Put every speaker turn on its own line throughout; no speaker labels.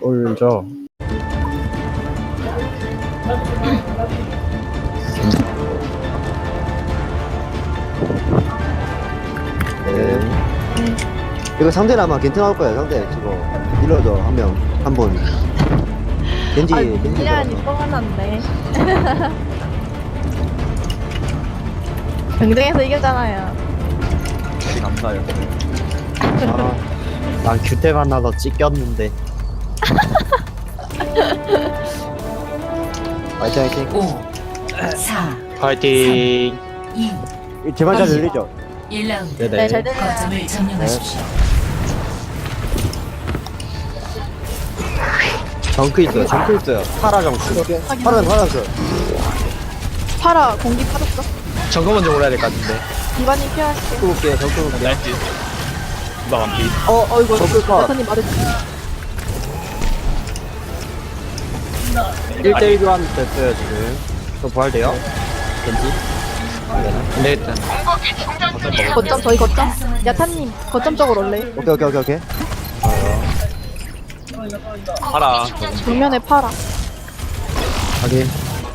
올죠.
네. 이거 상대는 아마 겐트 나올 거예요. 상대 지금 딜러죠 한 명, 한 분. 겐지, 겐지.
미안이 뻔한데. 경쟁에서 이겼잖아요.
감사해요.
난 규태 만나서 찢겼는데.
화이팅, 화이팅.
5, 4,
파이팅.
2,
제발 잘 들리죠?
1라운드.
네네.
네, 잘 들려요.
거점을 점령하십시오.
정크 있어요, 정크 있어요. 파라 정크. 파라는 파라 정크.
파라 공기 파졌어.
정거 먼저 올라야 될 것 같은데.
디바님 피할게.
정크 볼게요, 정크 볼게요.
나이스. 디바 완피.
이거
정크 컷.
야타님 말해줘.
1대1 교환 됐어요, 지금. 저 부활돼요? 겐지?
네, 일단.
거점 저희 거점. 야타님 거점 쪽으로 올래.
오케이.
파라.
정면에 파라.
확인.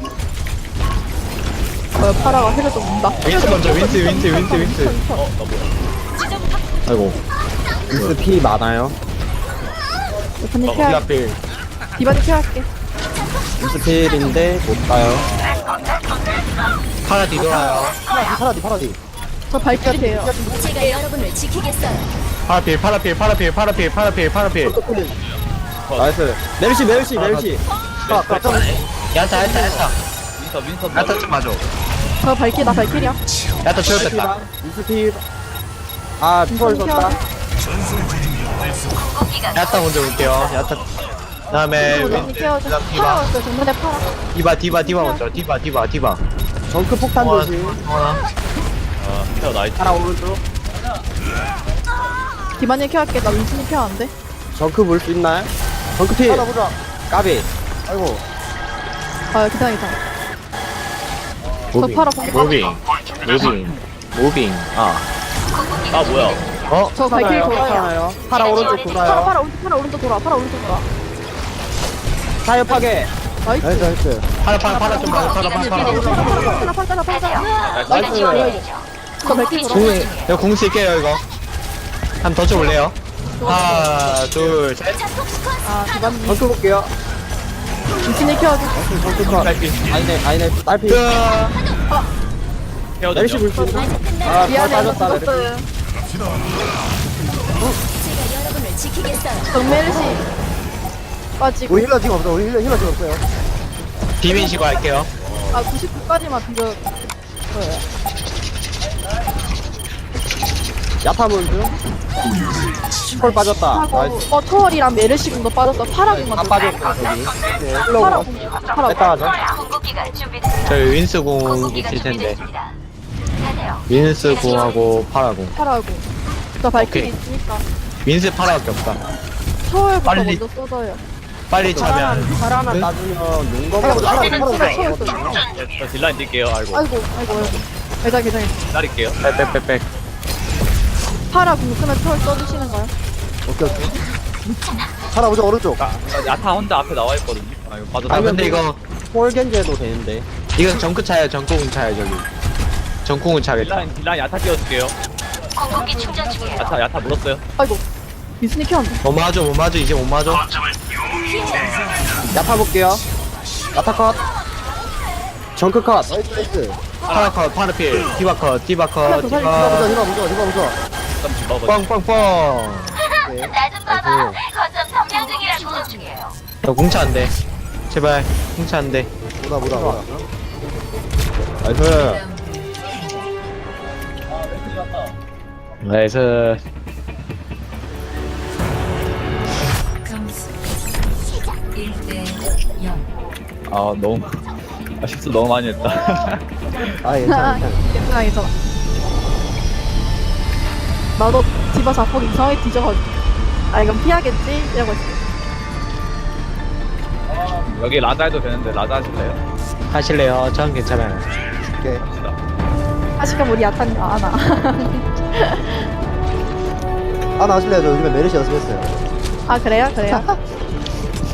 파라가 해를 좀 문다.
윈스 먼저, 윈스.
아이고. 미스 피 많아요.
야타님
이
피할.
앞에.
디바님 피할게.
미스 필인데 못 가요.
파라 뒤돌아요.
파라디.
저 발길 돼요.
제가 여러분을 지키겠어요.
파라필.
나이스. 메르시.
야타.
윈서.
야타 좀 맞아.
저 발길 나 발길이야.
야타 채웠다.
미스 필. 아, 피벌 썼다.
야타 먼저 올게요. 야타. 다음에
디바님 키워줘. 파라 왔어. 정면에 파라.
디바 먼저. 디바.
정크 폭탄 조심.
케어 나이스.
파라 오른쪽.
디바님 키할게. 나 윈슨이 키하는데.
정크 물 수 있나요? 정크 필.
파라 보자.
까비.
아이고.
괜찮아. 저 파라 공기
무빙.
아 뭐야?
저 발길 돌아요.
괜찮아요. 파라 오른쪽 돌아요.
파라 오른쪽 돌아.
타협하게.
나이스.
나이스.
파라 좀 맞아.
파라.
나이스.
저 발길 돌아.
이거 공 쓸게요, 이거. 한 번 더 줘볼래요? 하나, 둘, 셋.
디바님
정크 볼게요.
윈슨이 키워줘.
정크 컷. 아니네. 딸피.
케어
메르시
좀.
물 수 있나?
아,
미안해.
빠졌다.
죽었어요.
제가 여러분을 지키겠어요.
정메르시 빠지고.
우리 힐러 지금 없어. 힐러 지금 없어요.
비빈시고 할게요.
99까지만 비벼.
야타문 중. 콜 빠졌다. 나이스.
초월이랑 메르시 궁도 빠졌어. 파라 궁만.
다 빠졌다, 저기. 네,
파라
흘러가.
궁. 파라
뺐다 하자.
저희 윈스 공 있을 텐데. 윈스 공하고 파라 공.
파라 궁. 저 발길이
오케이.
있으니까.
윈스 파라밖에 없다.
초월부터
빨리.
먼저 쏟아요.
빨리 차면.
파라 하나 따주면 용검.
파라 초월 쏟아.
저 딜라인 뛸게요. 알고.
아이고. 괜찮아.
기다릴게요.
빽빽빽.
파라 궁 쓰면 초월 써주시는가요?
오케이. 파라 보자 오른쪽.
야타 혼자 앞에 나와 있거든요. 아 이거 봐도
아, 근데 이거,
폴겐제도 되는데.
이건 정크 차요, 정콩은 차요, 저기. 정콩은 차겠다.
딜라인 야타 띄워줄게요. 야타 물었어요.
아이고. 미스니 키웠는데.
못 맞아, 이제 못 맞아.
야타 볼게요. 야타 컷. 정크 컷.
나이스.
파라 컷, 파라필. 디바 컷.
힐러 보자.
잠깐 집어봐.
뻥뻥뻥. 저 공차 안 돼. 제발, 공차 안 돼.
보다.
나이스.
나이스.
점수 1대 0.
아 너무 실수 너무 많이 했다.
괜찮아.
괜찮아. 나도 디바 자폭 이상하게 뒤져가지고. 이건 피하겠지? 이러고 있어.
여기 라자 해도 되는데 라자 하실래요?
하실래요? 전 괜찮아요.
오케이.
합시다.
아시까 우리 야탄 아나.
하실래요? 저 요즘에 메르시 연습했어요.
그래요?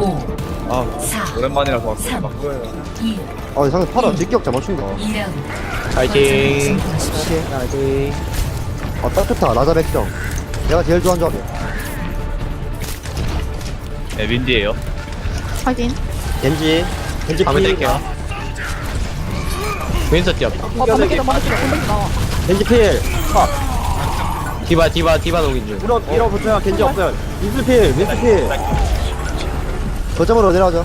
5,
아
4,
오랜만이라서 막
3,
막 그거예요.
2,
상대 팔아 직격 잘 맞춘다.
2라운드.
파이팅.
파이팅. 딱 좋다. 라자 백정. 내가 제일 좋아하는 조합이야.
네 윈디에요.
확인.
겐지
밤에 뗄게요. 윈서 뛰었다.
반대기다 반대기 나와.
겐지 필.
디바 녹인 중.
밀어붙여야 겐지 없어요. 윈스필. 거점으로 내려가죠.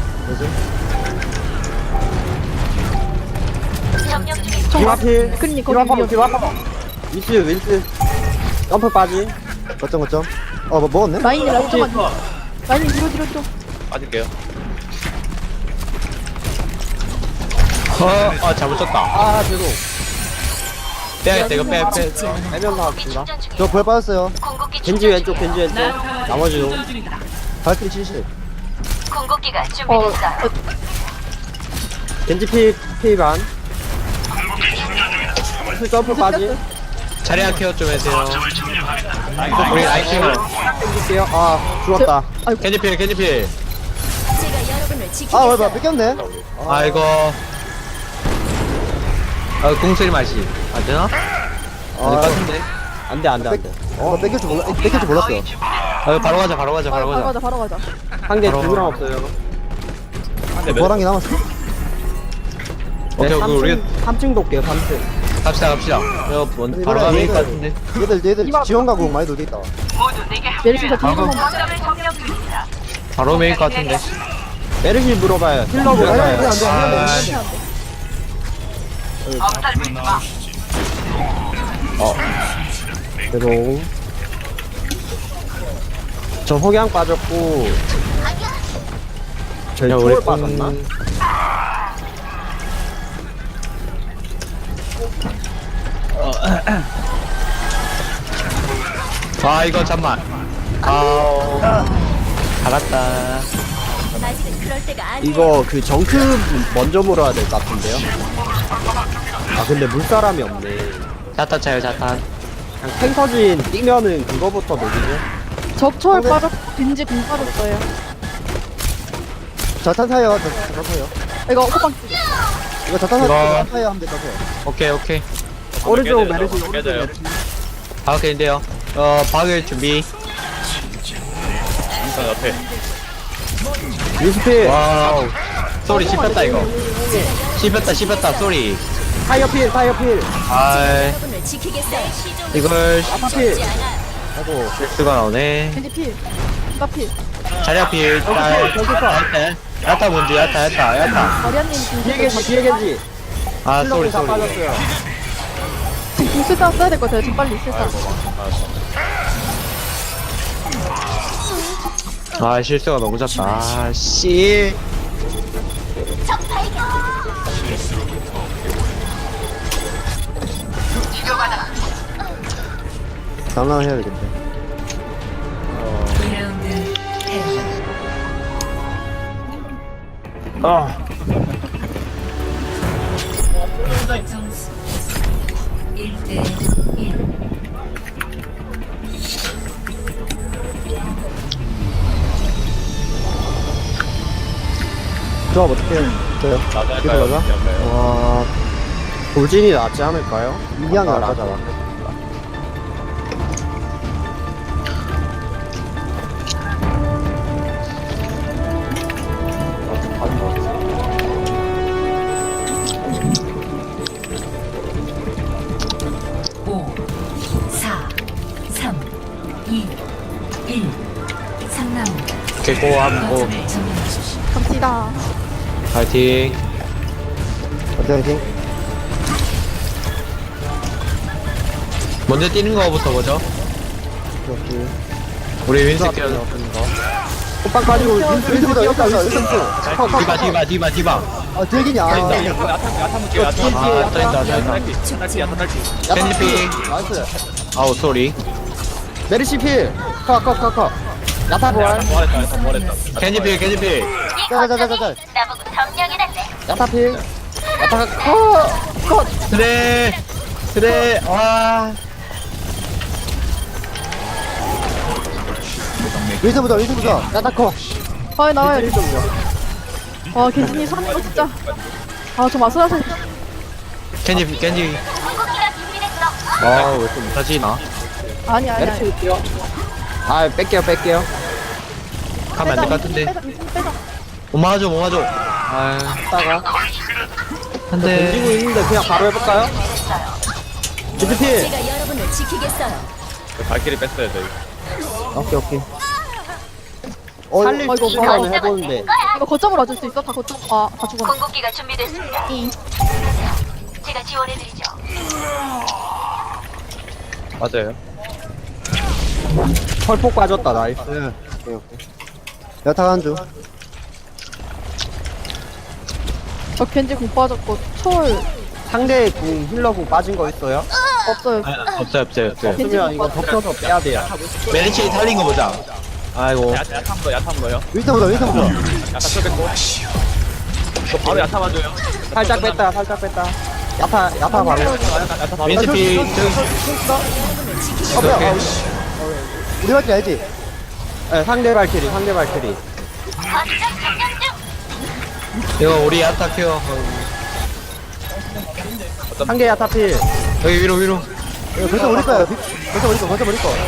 디바필. 큰니 거기 위험.
윈스. 점프 빠지. 거점. 뭐 먹었네?
라인이 좀만. 라인이 뒤로.
빠질게요.
잘못 쳤다.
죄송.
빼야겠다, 이거 빼.
해명 나왔습니다. 저 부활 빠졌어요. 겐지 왼쪽. 나머지도. 발길이 70.
궁극기가
어.
겐지 피 반. 점프 빠지.
자리야 케어 좀 해주세요. 우리 라이팅을.
땡길게요. 죽었다.
캔디필.
제가 여러분을 지키겠어요.
뭐야, 뺏겼네.
아이고. 공소리 맛이. 안 되나? 안 될 것 같은데. 안 돼.
뺏길 줄 몰랐어요.
바로 가자.
바로 가자.
상대
바로.
두명 없어요.
보랑이 남았어.
오케이, 우리
3층도 올게요, 3층.
갑시다. 이거 바로 가면 될것 같은데.
얘들 지원 가공 많이 돌게 있다.
메리시가 뒤로 한
바로 메일 것 같은데.
메르시 물어봐요. 힐러 물어봐요. 죄송. 저 호양 빠졌고. 저희
우리
초월 빠졌나?
이거 잠만. 알았다.
아직은 그럴 때가 아니에요.
이거 그 정크 먼저 물어야 될 것 같은데요? 근데 물사람이 없네.
자탄 차요, 자탄.
그냥 탱커진 뛰면은 그거부터 녹이죠?
적초월 빠졌고 빈지 공 빠졌어요.
자탄 타요, 자탄 타요.
이거 호빵 쓰기.
이거 자탄
이거-
타요 하면 돼, 자탄.
오케이.
오른쪽
깨져요.
메르시, 오른쪽
깨져요.
메르시.
박을인데요. 박을 준비.
인선 옆에.
유스필,
와우. 쏘리 씹혔다, 이거. 씹혔다, 쏘리.
타이어필.
여러분을 지키겠어요.
이걸
아파필.
죽지 않아요.
아이고,
실수가 나오네.
빈지 필. 디바필.
자리아필, 야타 뭔지, 야타.
마리아님
뒤에
빈지
겐지, 뒤에 겐지.
쏘리.
다 빠졌어요.
지금 공수단 써야 될 것 같아요. 지금 빨리 실사.
실수가 너무 작다. 씨.
장난해야 되겠네.
2라운드 패. 점수 1대 1.
조합 어떻게 해요? 저요?
나갈까요?
이거 맞아?
옆에요.
와, 돌진이 낫지 않을까요? 이양이 낫잖아.
오, 4, 3, 2, 1. 3라운드.
개고 한번
거점을 점령하십시오.
갑시다.
파이팅.
어떻게
먼저 뛰는 거부터 보죠.
이렇게.
우리 윈스 케어.
호빵 빠지고 윈스부터 여기까지
디바.
들기냐.
야타 볼게요. 야타.
떠있다.
야타 딸피.
캔디피.
나이스.
아우, 쏘리.
메르시 필. 컷. 야타 부활.
뭐랬다.
캔디피.
자자자자자.
나보고 점령해놨네.
야타 필. 야타가 컷.
그래. 와.
윈스부터. 야타 컷.
빨리 나와요.
겐지 좀요.
와 겐지님 사는 거 진짜. 아저 마술하세요.
겐지
궁극기가 준비됐어.
아왜좀
다시 나
아니 아니.
메르시 있고요. 아 뺄게요.
가면 안 될 것 같은데
빼자.
못 막아줘 못 막아줘 아
따가.
안돼
던지고 있는데 그냥 바로 해볼까요?
겐지 필.
제가 여러분을 지키겠어요.
발길이 뺐어요 저희.
오케이.
살릴
이거
수 있으면 해보는데.
이거 거점으로 와줄 수 있어? 다 거점. 아다 죽었네.
궁극기가 준비됐습니다. 제가 지원해드리죠.
맞아요.
펄폭 빠졌다 나이스.
오케이. 야타 한 줄.
저 겐지 공 빠졌고 초월
상대 궁 힐러궁 빠진 거 있어요?
없어요.
없어요
없으면 이거 덮쳐서 빼야 돼요.
메리치 살린 거 보자 아이고
야타한 거요.
윈스턴부터.
야타 쳐 뺐고. 저 바로 야타 맞아요.
살짝 뺐다. 야타 바로.
야타 바로.
윈스피
뭐야? 우리 할줄 알지?
네, 상대 발키리.
이거 우리 야타 큐어
상대 야타필.
여기 위로
벌써 우리 거야. 벌써 우리 거.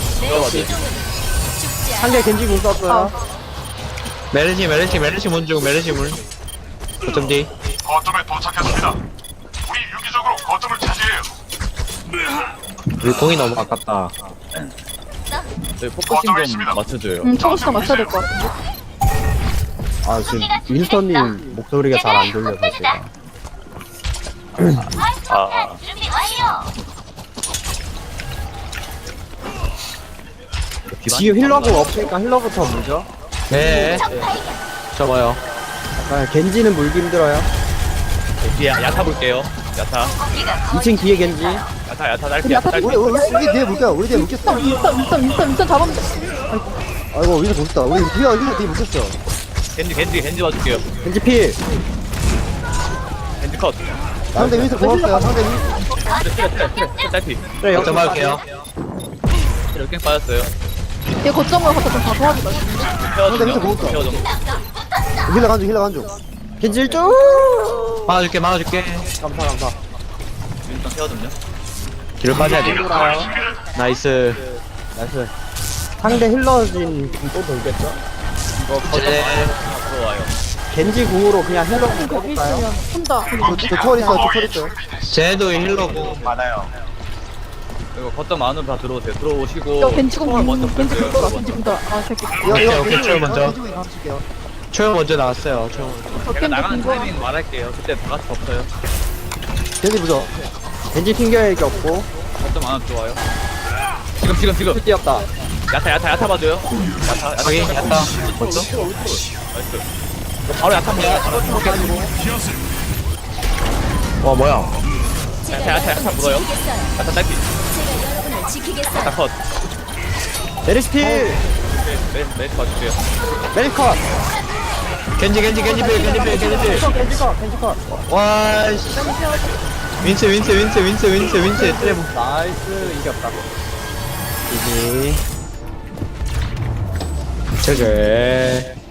상대 겐지 궁 썼어요.
메르시 문중 메르시 문 어쩜 뒤
거점에 도착했습니다. 우리 유기적으로 거점을 차지해요.
우리 공이 너무 아깝다
저희 포커싱 좀 맞춰줘요.
초고시가 맞춰야 될 것 같은데.
아 지금 윈스턴님 목소리가 잘 안 들려서 제가.
아.
준비 완료.
지금 힐러궁 없으니까 힐러부터 물죠.
네 접어요
아, 겐지는 물기 힘들어요.
뒤에 야타 볼게요. 야타.
2층 뒤에 겐지.
야타 딸피. 야타 딸피.
우리 뒤에 묶여.
윈스턴 잡으면 돼.
아이고 윈스 못했다. 우리 뒤에 묶였어.
겐지 봐줄게요.
겐지 필.
겐지 컷.
상대 윈스 고맙어요. 상대 윈스.
딸피.
그래
어쩜 할게요
이렇게 빠졌어요.
얘 거점으로 가서 좀다 도와주다.
상대 윈스 고맙다.
케어 좀.
힐러 간중.
겐지 쭉.
막아줄게
감사.
윈스턴 케어 좀요.
뒤로 빠져야 돼 나이스
나이스. 상대 힐러진 궁또 돌겠죠?
이거 거점
네.
들어와요.
겐지 궁으로 그냥 힐러궁
거기
꺼볼까요?
있으면 혼자.
저 초월 있어.
쟤도 힐러고 많아요
이거 거점 안으로 다 들어오세요. 들어오시고.
저 겐지 공
총알 먼저
겐지
뺐어요.
공돌아. 겐지 공돌아. 아 새끼.
오케이, 초월 먼저.
가실게요.
초연 먼저 나왔어요 초연
저
제가
겐지
나가는
공돌아.
타이밍 말할게요. 그때 다 같이 덮어요.
겐지 부죠.
겐지 튕겨야 게 없고.
거점 안으로 들어와요. 지금.
뛰었다.
야타 봐줘요. 야타.
여기 야타
벌써? 나이스. 이거 바로 야타 물어요.
와 뭐야
야타 물어요. 야타 딸피.
제가 여러분을 지키겠어요.
야타 컷.
메르시 필.
네, 봐줄게요.
메리컷.
겐지
겐지 컷.
와씨 윈스 트레브
나이스 이겼다.
제제